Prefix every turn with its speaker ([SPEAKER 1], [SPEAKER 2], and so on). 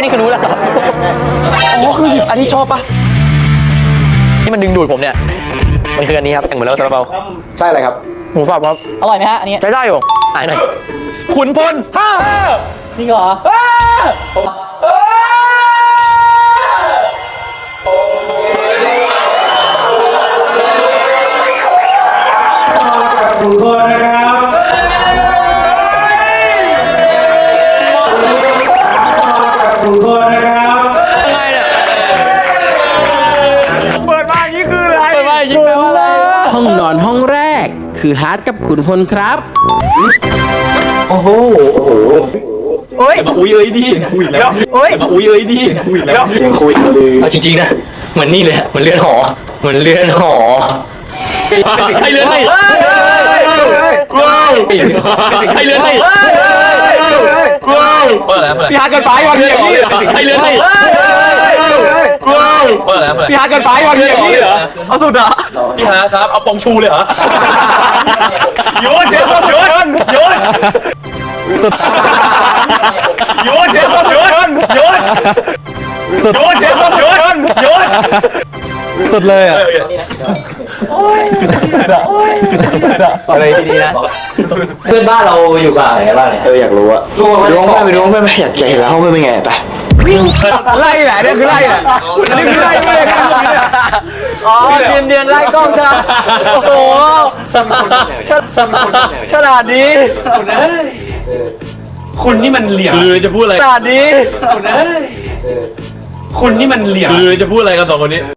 [SPEAKER 1] นี่คือรู้แล้ว
[SPEAKER 2] อ๋อคือหยิบอันที่ชอบปะ
[SPEAKER 1] ที่มันดึงดูดผมเนี่ยมันคืออันนี้ครับเหมือนเราซาลาเปา
[SPEAKER 2] ไส้อะไรครับ
[SPEAKER 1] หมูสับครับ
[SPEAKER 3] อร่อยไหมฮะอันนี้
[SPEAKER 1] ใช้ได้อยู่อ่านหน่อยขุนพล
[SPEAKER 3] จริงเหรอ
[SPEAKER 4] ทุกคนนะครับทุกคนนะครับ
[SPEAKER 1] ยังไงเนี่ย
[SPEAKER 2] เปิดมาอย่างนี้คืออะไร
[SPEAKER 1] เปิดมายิงแปลว่าอะไร
[SPEAKER 5] ห้องนอนห้องแรกคือฮาร์ดกับขุนพลครับ
[SPEAKER 2] โอ้โหเฮ้ยมาอุ้ยเอ้ยดิคุยแล้วเฮ้ยมาอุ้ยเอ้ยดิคุยแล้วยังคุยเลย
[SPEAKER 1] เอาจริงๆนะเหมือนนี่เลยเหมือนเลื่อนหอเหมือนเลื่อนหอให้เลื่อนหอให้เลื่อนหอ
[SPEAKER 2] พี่ฮาร์ดเกินไปวันนี้อย่างนี้
[SPEAKER 1] ให้เลื่อนหอ
[SPEAKER 2] พี่ฮาร์ดเกินไปวันนี้อย่างนี้เอาสุดอ่ะพี่ฮาร์ดครับเอาปองชูเลยเหรอโยนโยนโยนโยนโยนโยนโยนโยนโยนโยนโยนสุดเลยอ่ะอะไรดีนะเพื่อนบ้านเราอยู่กับอะไรบ้างเนี่ย
[SPEAKER 1] อยากรู้อะ
[SPEAKER 2] ไปดูห้องเพื่อนอยากเห็นแล้วห้องเพื่อนเป็นไงไปไล่แหละนี่คือไล่แหละนี่คือไล่เลยนะ
[SPEAKER 1] อ๋อเดือนไล่กล้องใช่ไหมโอ้โหฉลาดดี
[SPEAKER 4] คุณนี่มันเหลี่ยม
[SPEAKER 2] หรือจะพูดอะไร
[SPEAKER 1] ฉลาดดี
[SPEAKER 4] คุณนี่มันเหลี่ยม
[SPEAKER 2] หรือจะพูดอะไรกันสองคนนี้